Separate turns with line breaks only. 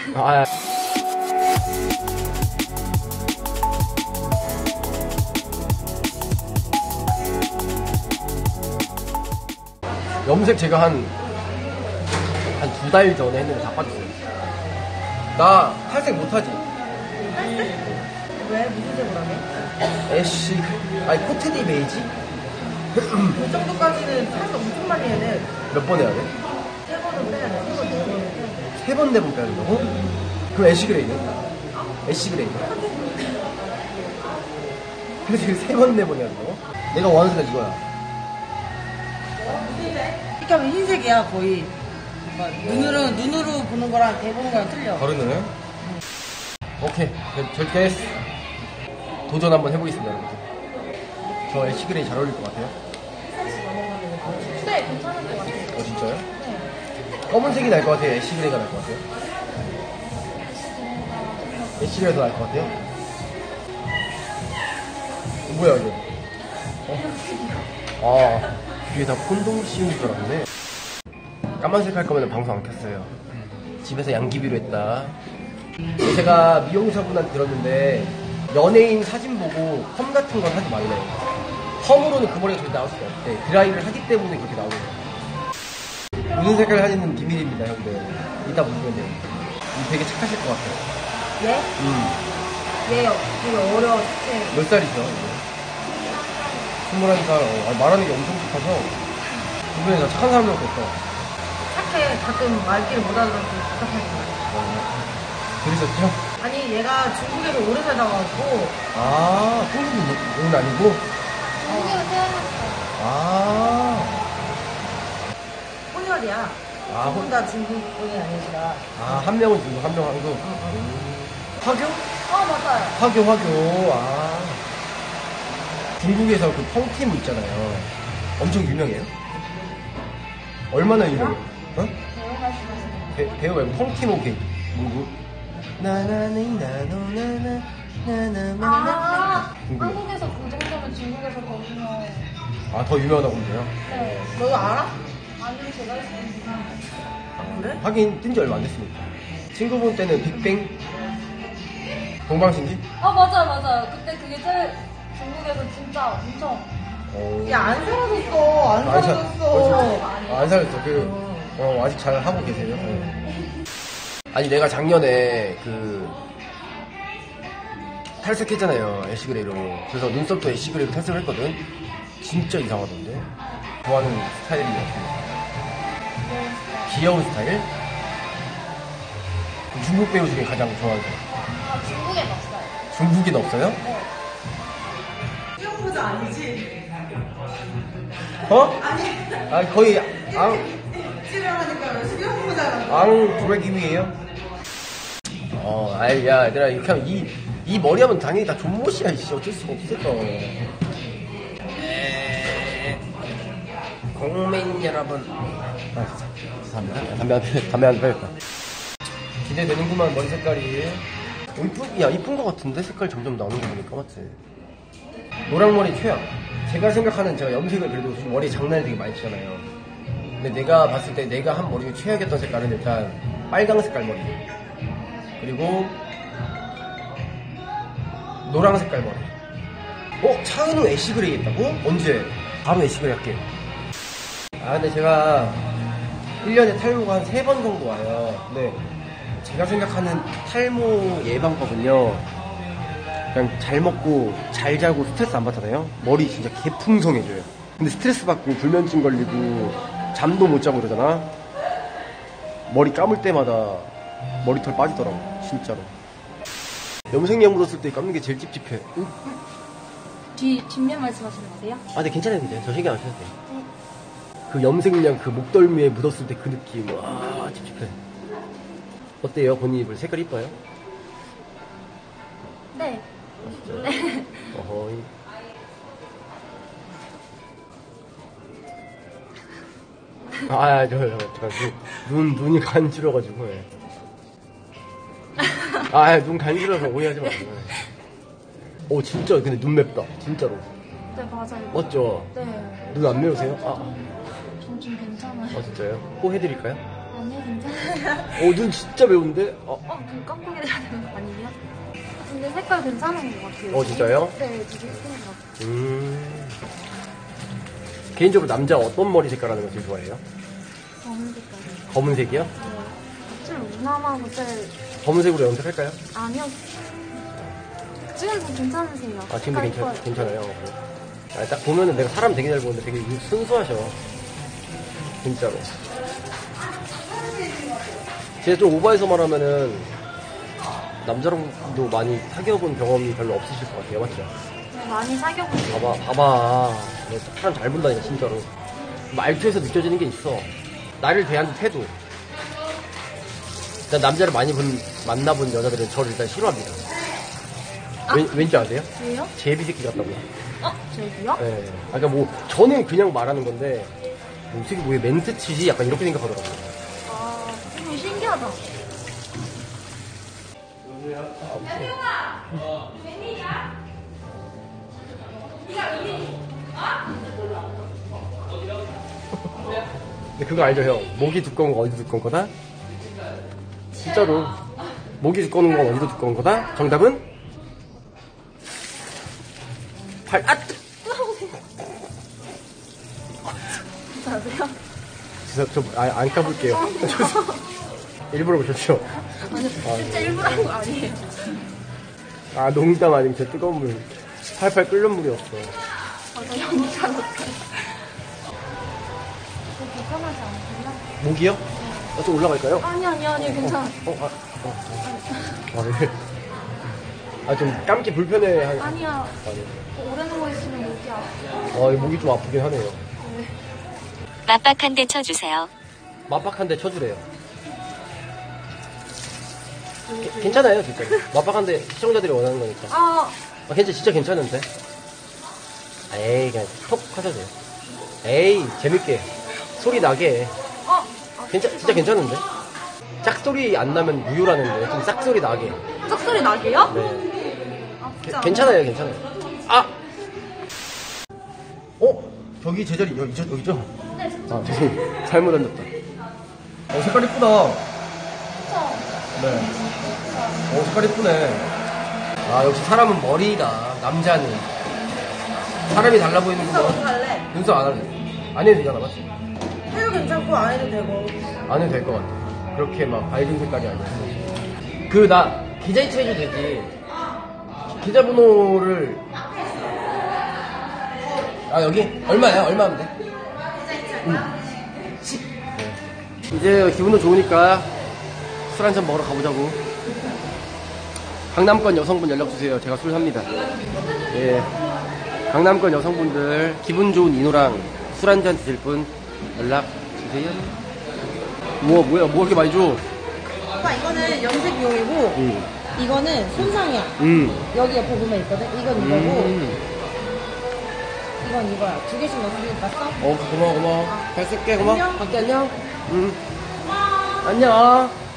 아, 염색 제가 한 2달 전에 했는데 다 빠졌어요. 나 탈색 못하지?
왜? 무슨 색으로 하게?
애쉬, 아니 코트니 베이지?
그 정도까지는 탈색 엄청 많이 해야 돼.
몇 번 해야 돼?
3번은 빼야 돼. 3번, 4번.
3번, 4번 빼야 된다고? 그럼 애쉬 그레이는? 애쉬 그레이는? 그래서 3번, 4번 해야 된다고? 내가 원하는 색깔 이거야.
이렇게 하면 흰색이야, 거의. 눈으로 보는 거랑 대보는 거랑 틀려.
다르네. 오케이, 절대 도전 한번 해보겠습니다, 여러분들. 저 애쉬 그레이 잘 어울릴 것 같아요.
네, 괜찮은 것 같아요.
진짜요?
네.
검은색이 날 것 같아요? 애쉬 그레이가 날 것 같아요? 애쉬 그레이가 더 날 것 같아요? 뭐야 이거? 뒤에 다 콘돔 씌운 줄 알았네. 까만색 할 거면 방송 안 켰어요. 집에서 양귀비로 했다. 제가 미용사분한테 들었는데 연예인 사진 보고 펌 같은 건 하지 말래요. 펌으로는 그 머리가 저기 나올 수가 없대. 드라이를 하기 때문에 그렇게 나오는 거예요. 무슨 색깔 사진은 비밀입니다, 형들. 이따 보시면 돼요. 되게 착하실 것 같아요.
얘? 얘 되게 어려워, 진짜.
몇 살이죠? 21살. 말하는 게 엄청 착해서 주변에 다 착한 사람들밖에 없어.
착해. 가끔 말귀를 못 알아듣고 답답하지 마.
들으셨죠?
아니, 얘가 중국에서 오래 살다 와갖고.
한국은 아니고?
중국에서 태어났어요.
혼혈이야. 두분 다 중국분이 아니시라.
한 명은 중국, 한 명은 한국. 화교?
맞아요.
화교. 중국에서 그 펑팀 있잖아요. 엄청 유명해요? 얼마나 유명해요? 어?
배우 말씀하시는
배우 말고 펑팀 오케이. 누구? 나나니 나노나나 나나나나. 궁금해.
한국에서 그 정도면 중국에서 더 유명해요.
더 유명하다고 그러네요.
네.
너도 알아?
아니면 제가 했으니까.
그래?
하긴 뜬 지 얼마 안 됐으니까. 친구분 때는 빅뱅? 동방신기?
맞아요. 그때 그게 제일 중국에서 진짜 엄청.
야, 안 사라졌어. 안 사라졌어.
안 살았어. 아직 잘 하고 계세요. 아니, 내가 작년에 탈색했잖아요. 애쉬그레이로. 그래서 눈썹도 애쉬그레이로 탈색을 했거든. 진짜 이상하던데. 좋아하는 스타일이 없습니다. 귀여운 스타일? 중국 배우 중에 가장 좋아하는 사람.
중국엔 없어요.
중국인 없어요?
네.
수영보자 아니지?
아니, 거의
찌르하니까 수영보자가.
앙브레기위에요? 야, 얘들아, 이렇게 하면 이 머리 하면 당연히 다 존못이야, 이씨. 어쩔 수가 없어. 국민 여러분. 죄송합니다. 담배 안 빼겠다. 기대되는구만, 머리 색깔이. 이쁜 거 같은데? 색깔 점점 나오는 거 보니까, 맞지? 노랑머리 최악. 제가 생각하는 제가 염색을 그래도 머리 장난을 되게 많이 치잖아요. 근데 내가 봤을 때 내가 한 머리 중에 최악이었던 색깔은 일단 빨강 색깔 머리. 그리고 노랑 색깔 머리. 차은우 애쉬그레이 했다고? 언제? 바로 애쉬그레이 할게. 근데 제가 1년에 탈모가 한 3번 정도 와요. 근데 제가 생각하는 탈모 예방법은요, 그냥 잘 먹고 잘 자고 스트레스 안 받잖아요. 머리 진짜 개풍성해져요. 근데 스트레스 받고 불면증 걸리고 잠도 못 자고 그러잖아. 머리 감을 때마다 머리털 빠지더라고, 진짜로. 염색약 묻었을 때 감는 게 제일 찝찝해.
뒷면 말씀하시는 거세요?
근데 괜찮아요, 괜찮아요. 저 신경 안 써도 돼요. 그 염색약 그 목덜미에 묻었을 때 그 느낌, 찝찝해. 어때요? 본인 입을 색깔 이뻐요?
네.
진짜? 어허이. 눈이 간지러가지고. 눈 간지러서 오해하지 마세요. 진짜 근데 눈 맵다, 진짜로.
네, 맞아요.
맞죠?
네.
눈 안 매우세요?
좀 괜찮아요.
진짜요? 코 해드릴까요?
네. 아니요, 괜찮아요.
눈 진짜 매운데?
그 깜빡이 해야 되는 거 아니에요? 근데 색깔 괜찮은 것 같아요.
진짜요?
네, 되게 예쁜 것 같아요.
개인적으로 남자 어떤 머리 색깔 하는 거 제일 좋아해요?
검은 색깔이요.
검은색이요?
네. 좀 무난하고 제일,
검은색으로 염색할까요?
아니요. 지금도 괜찮으세요.
지금도
색깔 이뻐요.
괜찮아요. 딱 보면은 내가 사람 되게 잘 보는데 되게 순수하셔. 진짜로. 제가 좀 오버해서 말하면은 남자랑도 많이 사귀어본 경험이 별로 없으실 것 같아요. 맞죠?
네, 많이 사귀어보세요.
봐봐. 내가 사람 잘 본다니까, 진짜로. 말투에서 느껴지는 게 있어. 나를 대하는 태도. 일단 남자를 많이 만나본 여자들은 저를 일단 싫어합니다. 왠지 아세요?
왜요?
제비 새끼 같다고요.
저기요?
네. 그러니까 뭐 저는 그냥 말하는 건데 어떻게 왜 멘트 치지? 약간 이렇게 생각하더라고요.
좀 신기하다.
근데 그거 알죠, 형? 목이 두꺼운 거 어디도 두꺼운 거다? 진짜로. 목이 두꺼운 건 어디도 두꺼운 거다? 정답은?
자세요?
안 까볼게요. 일부러 보셨죠?
아니, 진짜 일부러 한 거 아니에요.
농담 아니면 제 뜨거운 물. 팔팔 끓는 물이었어.
나 너무 잘했어요. 불편하지 않으세요?
목이요? 좀 올라갈까요?
아니, 괜찮아.
네. 좀 감기 불편해.
아니야.
네.
오래 누워있으면 목이 아프고.
목이 좀 아프긴 하네요.
맞박 한 대 쳐주세요.
맞박한데 쳐주래요. 괜찮아요, 진짜. 맞박한데 시청자들이 원하는 거니까. 진짜 괜찮은데? 에이, 그냥 톡 하셔도 돼요. 에이, 재밌게. 소리 나게. 진짜 괜찮은데? 짝소리 안 나면 무효라는데, 좀 짝소리 나게.
짝소리 나게요?
네. 괜찮아요. 저기 제자리, 여기죠?
네.
죄송해요. 잘못 앉았다. 색깔 이쁘다. 네. 색깔 이쁘네. 역시 사람은 머리다. 남자는. 사람이 달라 보이는구나.
어떻게 할래?
눈썹 안 할래. 안 해도 되잖아, 맞지?
해도 괜찮고 안 해도 되고.
안 해도 될 것 같아. 그렇게 막 밝은 색깔이 아니야. 나 계좌이체 해도 되지. 계좌번호를. 여기? 얼마야? 얼마 하면 돼? 10. 이제 기분도 좋으니까 술 한잔 먹으러 가보자고. 강남권 여성분 연락주세요. 제가 술 삽니다. 예. 강남권 여성분들 기분 좋은 인호랑 술 한잔 드실 분 연락주세요. 뭐야, 뭐 이렇게 많이 줘?
오빠 이거는 염색용이고 이거는 손상이야. 여기 옆에 보면 있거든. 이건 이거고 이건 이거야. 두 개씩 넣으니까 써?
고마워. 잘 쓸게, 고마워.
안녕.
갈게, 안녕. 안녕.